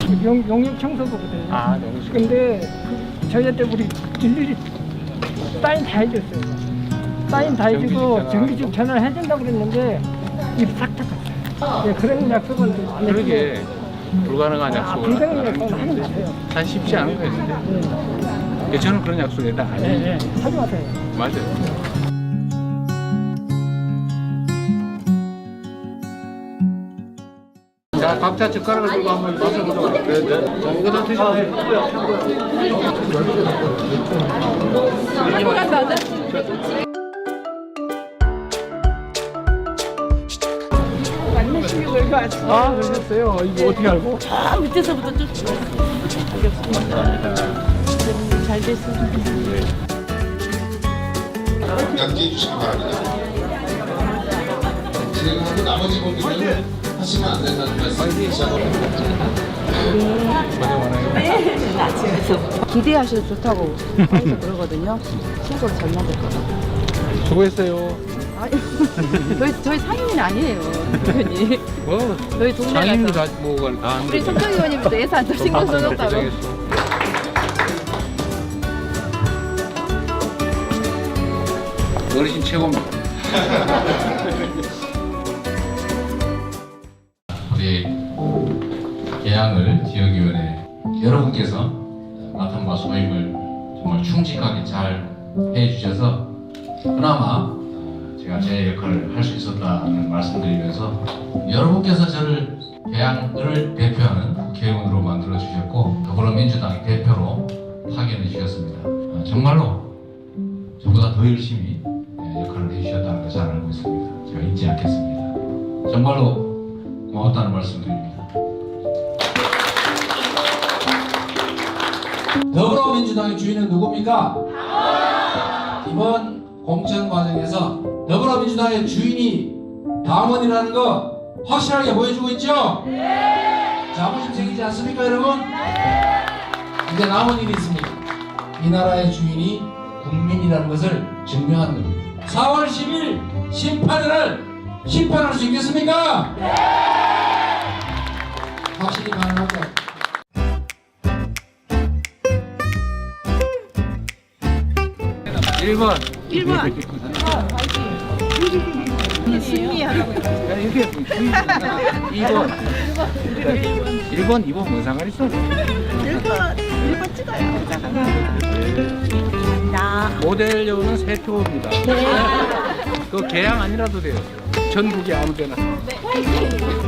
용역 청소부거든요. 아, 너무 좋 근데 저희한테 우리 일일이 사인 다 해줬어요. 사인 다 해주고 정규직 전화를 해준다고 그랬는데 입 싹 닫았어요. 네, 그런 약속은 안 해주고. 그러게 불가능한 약속을 불가능한 약속은 하는 것 같아요. 참 쉽지 않은 거예요. 근데 네. 저는 그런 약속에 다 안 해요. 네, 하지 마세요. 맞아요. 자, 각자 젓가락을 들고 한번 맛을 보도록 할게요. 자, 이거 다 드셔보세요. 아, 그러셨어요? 이거 어떻게 알고? 아, 밑에서부터 쫓아왔어요. 잘 됐습니다. 양지해 주시기 바랍니다. 진행하고 나머지 분들은 하시면 안 된다는 말씀 다시 한번 네, 아침에서 기대하셔도 좋다고 해서 그러거든요. 신고를 잘 맞을 것 같아요. 수고했어요. 저희 상임은 아니에요, 대표님. 뭐, 저희 동네 상임도 가서 다 뭐가 다 우리 손정 의원님도 예산 더 신경 써줬다고. 어르신 최고입니다. 우리 계양을 지역위원회 여러분께서 맡은 바 소임을 정말 충직하게 잘 해주셔서 그나마 제가 제 역할을 할 수 있었다는 말씀드리면서 여러분께서 저를 계양을 대표하는 국회의원으로 만들어 주셨고 더불어민주당의 대표로 파견해 주셨습니다. 정말로 저보다 더 열심히 역할을 해주셨다는 걸 잘 알고 있습니다. 제가 잊지 않겠습니다. 정말로 고맙다는 말씀드립니다. 더불어민주당의 주인은 누굽니까? 이번 공천 과정에서 더불어민주당의 주인이 당원이라는 거 확실하게 보여주고 있죠? 자부심 생기지 않습니까, 여러분? 이제 남은 일이 있습니다. 이 나라의 주인이 국민이라는 것을 증명하는 겁니다. 4월 10일 심판을 심판할 수 있겠습니까? 확실히 가능할까요? 1번. 승리하라고. 이게 2번. 1번, 2번 뭔 상관 있어? 1번 찍어요. 모델료는 3표입니다. 그 계양 아니라도 돼요. 전국에 아무 데나.